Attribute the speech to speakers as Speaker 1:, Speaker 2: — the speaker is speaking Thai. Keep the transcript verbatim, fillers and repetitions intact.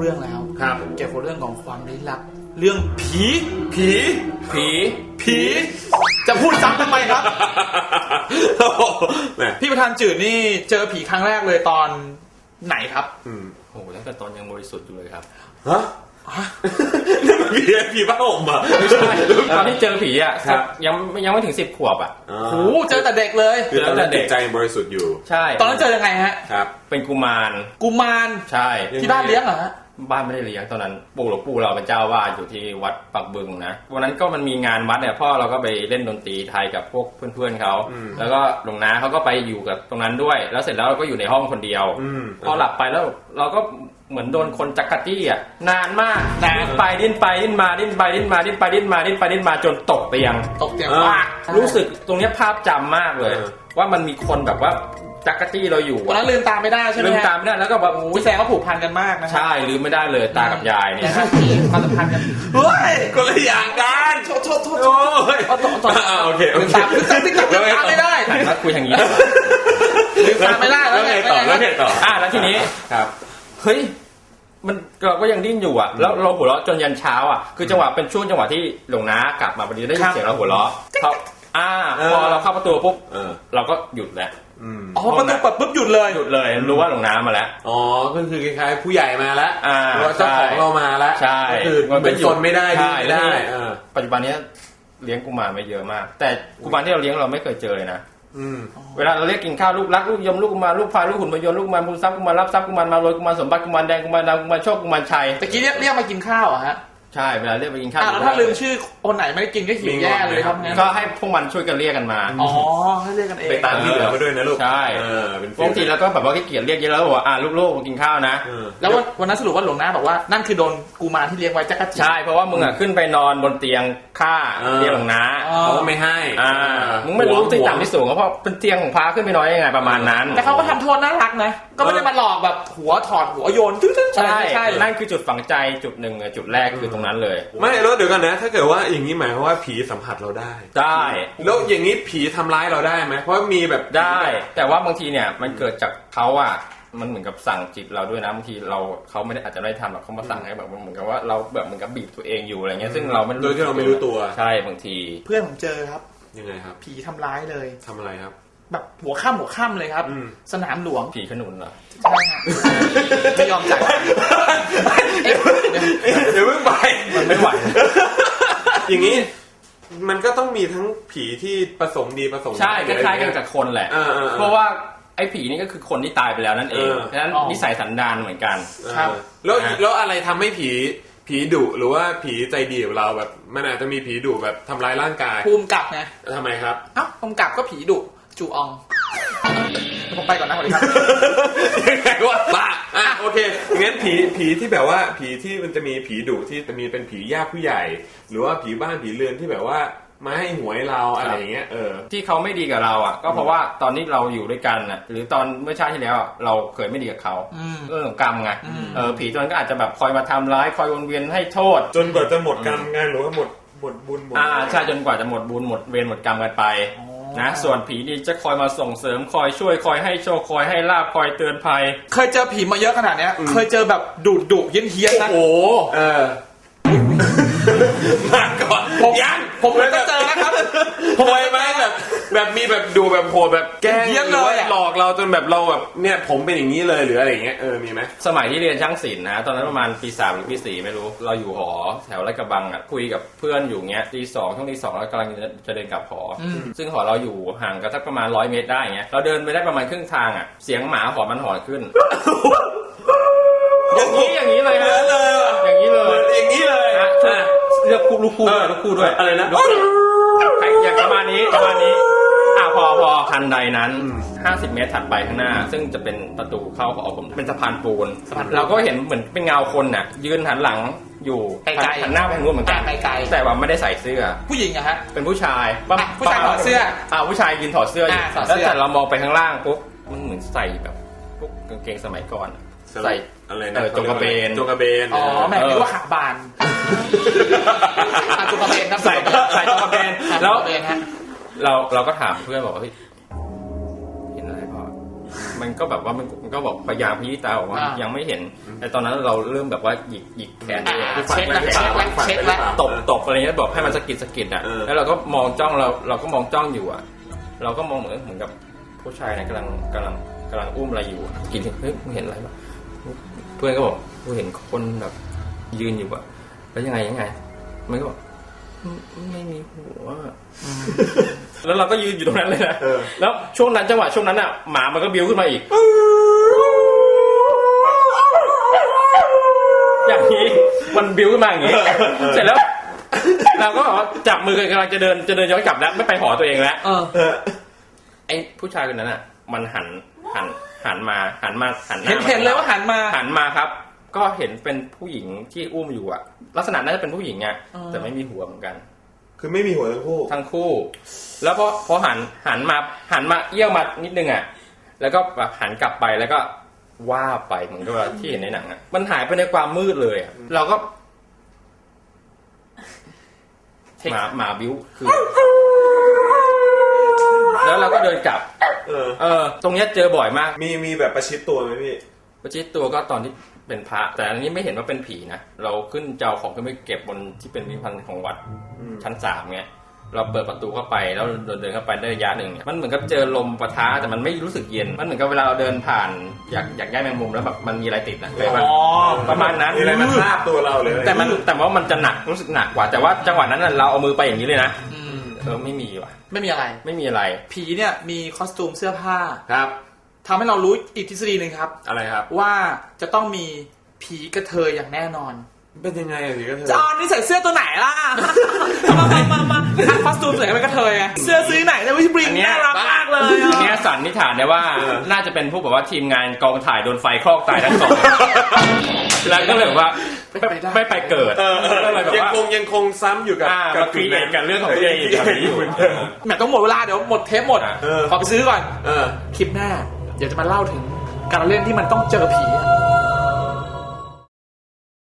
Speaker 1: รื่องแล้ว
Speaker 2: ครับ
Speaker 1: เกี่ยวกับเรื่องของความลี้ลับเรื่องผี
Speaker 2: ผี
Speaker 1: ผีผีจะพูดซ้ำทำไมครับพี่ประธานจืดนี่เจอผีครั้งแรกเลยตอนไหนครับ
Speaker 2: อืม
Speaker 3: โอ้ตั้งแต่ตอนยังบริสุทธิ์อยู่เลยครับ
Speaker 2: ฮะนี่มันผีผีบ้าห่มอ่ะ
Speaker 3: ไม่ใช่ตอนที่เจอผีอ่ะยังยังไม่ถึงสิบขวบอ่ะ
Speaker 1: โอ้เจอแต่เด็กเลย
Speaker 2: คือตอนนั้นเด็กใจบริสุทธิ์อยู่
Speaker 3: ใช่
Speaker 1: ตอนนั้นเจอยังไงฮะ
Speaker 2: ครับ
Speaker 3: เป็นกุมาร
Speaker 1: กุมาร
Speaker 3: ใช่
Speaker 1: ที่บ้านเลี้ยงเหรอฮะ
Speaker 3: บ้านไม่ได้เลี้ยงตอนนั้นปู่หลวงปู่เราเป็นเจ้าวาดอยู่ที่วัดปักบึงนะวันนั้นก็มันมีงานวัดเนี่ยพ่อเราก็ไปเล่นดนตรีไทยกับพวกเพื่อนๆเขาแล้วก็หลวงน้าเขาก็ไปอยู่กับตรงนั้นด้วยแล้วเสร็จแล้วเราก็อยู่ในห้องคนเดียวพอหลับไปแล้วเราก็เหมือนโดนคนจักรจี้อ่ะนานมากนานไปดิ้นไปดิ้นมาดิ้นไปดิ้นมาดิ้นไปดิ้นมาดิ้นไปดิ้นมาจนตกเตียง
Speaker 1: ตกเตียงว่า
Speaker 3: รู้สึกตรงนี้ภาพจำมากเลยว่ามันมีคนแบบว่าจักรจี้เราอยู่
Speaker 1: ตอนนั้นลืมตาไม่ได้ใช่ไหม
Speaker 3: ลืมตาไม่ได้แล้วก็แบบ
Speaker 1: พี่แซงเขาผูกพันกันมากนะ
Speaker 3: ใช่ลืมไม่ได้เลยตากับยายเนี่ย
Speaker 1: ความสัมพันธ์กัน
Speaker 2: เฮ้ยคนละอย่างกัน
Speaker 1: โทษโทษโทษโอ้ย
Speaker 2: โอเค
Speaker 1: ลืมตาลืมตาลืมตาไม่ได้
Speaker 3: มาคุยทางนี้
Speaker 1: ลืมตาไม่ได้แล้ว
Speaker 2: ไงต่อแล้วไงต่อ
Speaker 3: อ่ะแล้วทีนี้
Speaker 2: ครับ
Speaker 3: เฮ้ยมันเราก็ยังดิ้นอยู่อ่ะแล้วเราหัวเราะจนยันเช้าอ่ะคือจังหวะเป็นช่วงจังหวะที่หลวงน้ากลับมาพอดีได้ยินเสียงเราหัวเราะเขาอ่าพอเราเข้าประตูปุ๊บเราก็หยุดแล้ว
Speaker 1: อ๋อประตูเปิดปุ๊บหยุดเลย
Speaker 3: หยุดเลยรู้ว่าหลวงน้ามาแล้ว
Speaker 2: อ๋อก็คือคล้ายๆผู้ใหญ่มาแล้วหรือว่าเจ้าของเรามาแล้ว
Speaker 3: ใช่
Speaker 2: ก็คือเป็นคนไม่ได้ไม่ได้
Speaker 3: ปัจจุบันนี้เลี้ยงกุมารไม่เยอะมากแต่กุมารที่เราเลี้ยงเราไม่เคยเจอเลยนะเวลาเราเรียกกินข้าวลูกรักลูกยมลูกกุมารลูกพายลูกหุ่นพยนต์ลูกกุมารบุญทรัพย์กุมารรับทรัพย์กุมารมาโรยกุมารสมบัติกุมารแดงกุมารดำกุมารโชคกุมารชัย
Speaker 1: ตะกี้เรียกเรียกมากินข้าวอ่ะฮะ
Speaker 3: ใช่เวลาเรียกไปกินข้าว
Speaker 1: แล้วถ้าลืมชื่อคนไหนไม่ได้กินก็หิวแย่เลยครับงั้น
Speaker 3: ก็ให้พวกมันช่วยกันเรียกกันมา
Speaker 1: อ๋อให้เรียกกันเอง
Speaker 2: ไปตามที่เหลือมาด้วยนะลูก
Speaker 3: ใช่บางทีเราก็แบบว่าขี้เกียจเรียกเยอะแล้วบอกว่าอ่าลูกๆมากินข้าวนะ
Speaker 1: แล้ววันนั้นสรุปว่าหลวงน้าบอกว่านั่นคือโดนกุมารที่เลี้ยงไว้จักรจี้
Speaker 3: ใช่เพราะว่ามึงอ่ะขึ้นไปนอนบนเตียงข้าเรียกหลวงน้า
Speaker 2: เขาไม่ให้
Speaker 3: อ่ามึงไม่รู้ที่ต่ำที่สูงเพราะเป็นเตียงของพระขึ้นไปนอนยังไงประมาณนั้น
Speaker 1: แต่เขาก็ทำโทษน่ารักนะก็ไม่ได้มาหลอกแบบหัวถอดหัวโยน
Speaker 3: ใช่ใช่นั่นคือจุดฝังใจจุดหนึ่งจุดแรกคือตรงนั้นเลย
Speaker 2: ไม่แล้วเดี๋ยวกันนะถ้าเกิดว่าอย่างนี้หมายความว่าผีสัมผัสเราได้
Speaker 3: ได้
Speaker 2: แล้วอย่างนี้ผีทำร้ายเราได้ไหมเพราะมีแบบ
Speaker 3: ได้แต่ว่าบางทีเนี่ยมันเกิดจากเขาอ่ะมันเหมือนกับสั่งจิตเราด้วยนะบางทีเราเขาไม่ได้อาจจะไม่ได้ทำหรอกเขามาสั่งให้แบบเหมือนกับว่าเราแบบเหมือนกับบีบตัวเองอยู่อะไรเงี้ยซึ่งเราไม่
Speaker 2: โดยที่เราไม่รู้ตัว
Speaker 3: ใช่บางที
Speaker 1: เพื่อนผมเจอครับ
Speaker 2: ยังไงครับ
Speaker 1: ผีทำร้ายเลย
Speaker 2: ทำอะไรครับ
Speaker 1: แบบหัวค่ำหัวค่ำเลยครับสนามหลวง
Speaker 3: ผีขนุนเหรอ
Speaker 1: ใช่ครับไม่ยอมจ่าย
Speaker 2: เดี๋ยวเพิ่งไป
Speaker 3: มันไม่ไหว
Speaker 2: อย่างนี้มันก็ต้องมีทั้งผีที่ประสงค์ดีประสงค์
Speaker 3: ใช่คล้ายๆกันกับคนแหละเพราะว่าไอ้ผีนี่ก็คือคนที่ตายไปแล้วนั่นเองฉะนั้นนิสัยสันดานเหมือนกัน
Speaker 2: ครับแล้วแล้วอะไรทำให้ผีผีดุหรือว่าผีใจดีกับเราแบบมันอาจจะมีผีดุแบบทำร้ายร่างกาย
Speaker 1: ภูมิกับไง
Speaker 2: ทำไมครับ
Speaker 1: เอ้าภูมิกับก็ผีดุจูอองผมไปก่อนนะสวัสดีครับ
Speaker 2: ยังไงวะบ้าอ่ะโอเคงั้นผีผีที่แบบว่าผีที่มันจะมีผีดุที่จะมีเป็นผีญาติผู้ใหญ่หรือว่าผีบ้านผีเรือนที่แบบว่ามาให้หวยเราอะไรอย่างเงี้ยเออ
Speaker 3: ที่เขาไม่ดีกับเราอ่ะก็เพราะว่าตอนนี้เราอยู่ด้วยกันน่ะหรือตอนเมื่อชาติที่แล้วเราเคยไม่ดีกับเขาเรื่องของกรรมไงเออผีตัวนั้นก็อาจจะแบบคอยมาทำร้ายคอยวนเวียนให้โทษ
Speaker 2: จนกว่าจะหมดกรรมไงหรือว่าหมดหมดบุญหมด
Speaker 3: อ่าใช่จนกว่าจะหมดบุญหมดเวรหมดกรรมกันไปนะส่วนผีดีจะคอยมาส่งเสริมคอยช่วยคอยให้โชคคอยให้ลาภคอยเตือนภัย
Speaker 1: เคยเจอผีมาเยอะขนาดเนี้ยเคยเจอแบบดุดุเฮี้ยนเฮี้ยนนะ
Speaker 2: โอ้โหเออมาก่อน
Speaker 1: ผมยังผมก็เจอนะครับ
Speaker 2: ผมไปไหมแบบแบบมีแบบดูแบบโหดแบบแกล้งหรือว่าหลอกเราจนแบบเราแบบเนี่ยผมเป็นอย่างนี้เลยหรืออะไรอย่างเงี้ยเออมีไหม
Speaker 3: สมัยที่เรียนช่างศิลป์นะตอนนั้นประมาณปีสามหรือปีสี่ไม่รู้เราอยู่หอแถวลาดกระบังอ่ะคุยกับเพื่อนอยู่เงี้ยตีสองช่วงตีสองแล้วกำลังจะเดินกลับหอซึ่งหอเราอยู่ห่างกันสักประมาณร้อยเมตรได้เงี้ยเราเดินไปได้ประมาณครึ่งทางอ่ะเสียงหมาหอนมันหอนขึ้นอย่างนี้อย่างนี้เลยฮะอย่างนี้เลย
Speaker 2: อย่างนี้เลย
Speaker 3: นะเลือกคู่ลูกคู่ด้วยลูกคู่ด้วย
Speaker 2: อะไรนะ
Speaker 3: อย่างประมาณนี้ประมาณนี้อ่ะพอพอทันใดนั้นห้าสิบเมตรถัดไปข้างหน้าซึ่งจะเป็นประตูเข้าหอผมเป็นสะพานปูนเราก็เห็นเหมือนเป็นเงาคนน่ะยืนหันหลังอยู่หันหน้าไปทางนู้นเหมือนกันแต่ว่าไม่ได้ใส่เสื้อ
Speaker 1: ผู้หญิงอะฮะ
Speaker 3: เป็นผู้ชาย
Speaker 1: ผู้ชายถอดเสื้อ
Speaker 3: อ่าผู้ชายยืนถอดเสื้ออยู่แล้วแต่เรามองไปข้างล่างปุ๊บมันเหมือนใส่แบบพวกกางเกงสมัยก่อนใส่
Speaker 2: อะไรนะ
Speaker 3: จงกระเบน
Speaker 2: จงกระเบน
Speaker 1: อ๋อแม่นึกว่าขาบานจงกระเบนครับ
Speaker 3: ใส่ใส่จงกระเบนแล้วเราเราก็ถามเพื่อนบอกว่าเฮ้ยเห็นอะไรพ่อมันมันก็แบบว่ามันมันก็บอกพยายามพิจารณาบอกว่า
Speaker 1: อ่ายั
Speaker 3: ยังไม่เห็น แต่ตอนนั้นเราเริ่มแบบว่าหยิกหยิกแขนตัวเอง
Speaker 1: อ่า
Speaker 3: คือฝัน
Speaker 1: เช็ค
Speaker 3: ไว้
Speaker 1: แล้ว
Speaker 3: หรือเป
Speaker 1: เช็
Speaker 3: ล่า
Speaker 1: คแล้วเช็คแล้ว
Speaker 3: ตบตบอะไรเงี้ยบอกให้มันสะกิดสะกิดอ่ะ
Speaker 2: เออ
Speaker 3: แล้วเราก็มองจ้องเราเราก็มองจ้องอยู่อ่ะ เราก็มองเหมือนเหมือนกับผู้ชายเนี่ยกำลังกำลังกำลังอุ้มอะไรอยู่อะกินเฮ้ยมึงเห็นอะไรปะเพื่อนก็บอกกูเห็นคนแบบยืนอยู่อ่ะแล้วยังไงยังไงมันก็บอกไม่ไม่มีหัวแล้วเราก็ยืนอยู่ตรงนั้นเลยนะ
Speaker 2: เออ
Speaker 3: แล้วช่วงนั้นจังหวะช่วงนั้นอ่ะหมามันก็บิ้วขึ้นมาอีก อย่างนี้มันบิ้วขึ้นมาอย่างนี้ เสร็จแล้ว เราก็บอกว่าจับมือกันกำลังจะเดินจะเดินย้อนกลับแล้วไม่ไปหอตัวเองแล้ว
Speaker 1: เออ
Speaker 2: เออ
Speaker 3: ไอ้ผู้ชายคนนั้นอ่ะ มันหันหันหันมาหันมาหันหน้า
Speaker 1: เห็นเห็นเลยว่าหันมา
Speaker 3: หันมาครับ ก็เห็นเป็นผู้หญิงที่อุ้มอยู่อ่ะ ลักษณะน่าจะเป็นผู้หญิงอ่ะ
Speaker 1: อ๋อ
Speaker 3: แต่ไม่มีหัวเหมือนกัน
Speaker 2: คือไม่มีหัวทั้งคู่
Speaker 3: ทั้งคู่ แล้วพอพอหันหันมาหันมาเอี้ยวมานิดนึงอ่ะ แล้วก็แบบหันกลับไปแล้วก็ว่าไปเหมือนกับว่าที่เห็นในหนังอ่ะ มันหายไปในความมืดเลยอ่ะ เราก็หมาหมาบิ้วคือ แล้วเราก็เดินกลับ
Speaker 2: เออ
Speaker 3: เออ ตรงเนี้ยเจอบ่อยมาก
Speaker 2: มีมีแบบประชิดตัวไหมพี่
Speaker 3: ประชิดตัวก็ตอนที่เป็นพระ แต่อันนี้ไม่เห็นว่าเป็นผีนะ เราขึ้นเจ้าของขึ้นไปเก็บบนที่เป็นพิพิธภัณฑ์ของวัด
Speaker 2: อืม
Speaker 3: ชั้นสามเงี้ย เราเปิดประตูเข้าไปแล้วเดินเดินเข้าไปได้ระยะหนึ่งเนี่ยมันเหมือนกับเจอลมปะทะแต่มันไม่รู้สึกเย็น มันเหมือนกับเวลาเราเดินผ่านอยากอยากย้ายแมงมุมแล้วแบบมันมีอะไรติดนะเลยว่า
Speaker 1: อ๋อ
Speaker 3: ประมาณนั้น
Speaker 2: มีอะไรมาทาบตัวเราเลย
Speaker 3: แต่มันแต่ว่ามันจะหนักรู้สึกหนักกว่า แต่ว่าจังหวะนั้นน่ะเราเอามือไปอย่างนี้เลยนะ
Speaker 1: อืม
Speaker 3: เออไม่มีว่ะ
Speaker 1: ไม่มีอะไร
Speaker 3: ไม่มีอะไร
Speaker 1: ผีเนี่ยมีคอสตูมเสื้อผ้า
Speaker 2: ครับ
Speaker 1: ทำให้เรารู้อีกทฤษฎีหนึ่งครับ
Speaker 2: อะไรครับ
Speaker 1: ว่าจะต้องมีผีกระเทยอย่างแน่นอน
Speaker 2: เป็นยังไงอะพี่ก็เธอ
Speaker 1: จอนนี่ใส่เสื้อตัวไหนล่ะ มามามามาอ่ะคอสตูมใส่เป็นกระเทยไงเสื้อซื้อไหนเนี่ยวิชบริง
Speaker 3: อันเนี้ย
Speaker 1: น่ารักมากเลย
Speaker 3: อัน
Speaker 1: อ่ะ
Speaker 3: เนี้ยสันนิษฐานได้ว่าน่าจะเป็นพวกแบบว่าทีมงานกองถ่ายโดนไฟคลอกตายทั้งสอง แล้วก็เลยแบบว่าไม่ไม่ไปเกิด
Speaker 2: เออเออ
Speaker 3: ก็เลยแบบ
Speaker 2: ยัง
Speaker 3: ว่า
Speaker 2: คงยังคงซ้ำอยู่กับ
Speaker 3: อ่ามาครีเอทกันเรื่องของตัวเองอีกแบบนี้อยู่
Speaker 1: แหมต้องหมดเวลาเดี๋ยวหมดเทปหมด
Speaker 3: อ่ะ
Speaker 2: เออ
Speaker 1: ขอไปซื้อก่อน
Speaker 2: เออ
Speaker 1: คลิปหน้า เดี๋ยวจะมาเล่าถึงการเล่นที่มันต้องเจอผีอะ